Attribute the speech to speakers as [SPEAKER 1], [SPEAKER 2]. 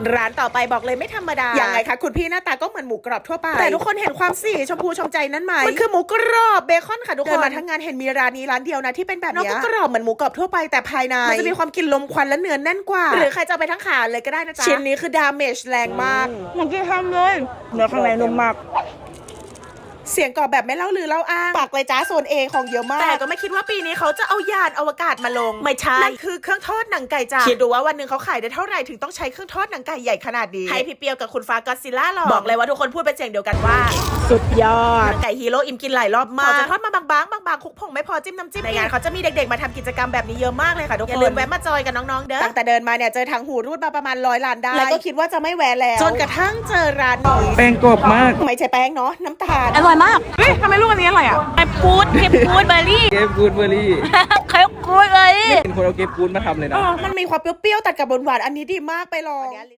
[SPEAKER 1] ร้านต่อไปบอกเลยไม่ธรรมดายังไงคะคุณพี่หน้าตาก็เหมือนหมูกรอบทั่วไปแต่ทุกคนเห็นความสีชมพูชมใจนั้นไหมมันคือหมูกรอบเบคอนค่ะทุกคนเดินมาทั้งงานเห็นมีร้านนี้ร้านเดียวนะที่เป็นแบบนี้ก็กรอบเหมือนหมูกรอบทั่วไปแต่ภายในมันจะมีความกลิ่นลมควันและเนื้อแน่นกว่าหรือใครจะไปทั้งขาเลยก็ได้นะจ๊ะชิ้นนี้คือดาเมจแรงมาก
[SPEAKER 2] เหมือนที่ทำเลยเนื้อข้างในนุ่มมาก
[SPEAKER 1] เสียงกรอบแบบไม่เล่าลือเล่าอ้างปากเลยจ้าโซนเอของเยอะมากแต่ก็ไม่คิดว่าปีนี้เขาจะเอายานอวกาศมาลงไม่ใช่นั่นคือเครื่องทอดหนังไก่จ้าคิดดูว่าวันหนึ่งเขาขายได้เท่าไหร่ถึงต้องใช้เครื่องทอดหนังไก่ใหญ่ขนาดนี้ให้พี่เปียวกับคุณฟ้าก็อดซิลล่าลองบอกเลยว่าทุกคนพูดเป็นเสียงเดียวกันว่า
[SPEAKER 2] สุดยอด
[SPEAKER 1] หนังไก่ฮีโร่อิ่มกินหลายรอบมากเขาจะทอดมาบางๆคุกผงไม่พอจิ้มน้ำจิ้มในงานเขาจะมีเด็กๆมาทำกิจกรรมแบบนี้เยอะมากเลยค่ะทุกคนอย่าลืมแวะมาจอยกับน้องๆเด้อตั้งแต่เดินมาเนี่ยเจอทางหูรูดมาประมาณ100 ล้านได้แล้วก็คิดว่าจะไม่แวะแล้วจนกระทั่งเจอร้านนี้
[SPEAKER 2] แป้งกรอบมาก
[SPEAKER 1] ไม่ใช่แป้งเนาะน้ำตาล
[SPEAKER 2] อร่อยมากเฮ้ยทำไมลูกอันนี้อร่อยอ่ะ
[SPEAKER 3] เก็บกูดเบอร์รี่
[SPEAKER 2] เก็บกูดเบอร์รี่
[SPEAKER 3] เก็บกูดเบอร์รี่
[SPEAKER 2] เป็นคนเอาเก็บกูดมาทำเลยนะ
[SPEAKER 1] มันมีความเปรี้ยวๆตัดกับหวานๆอันนี้ดีมากไปลอง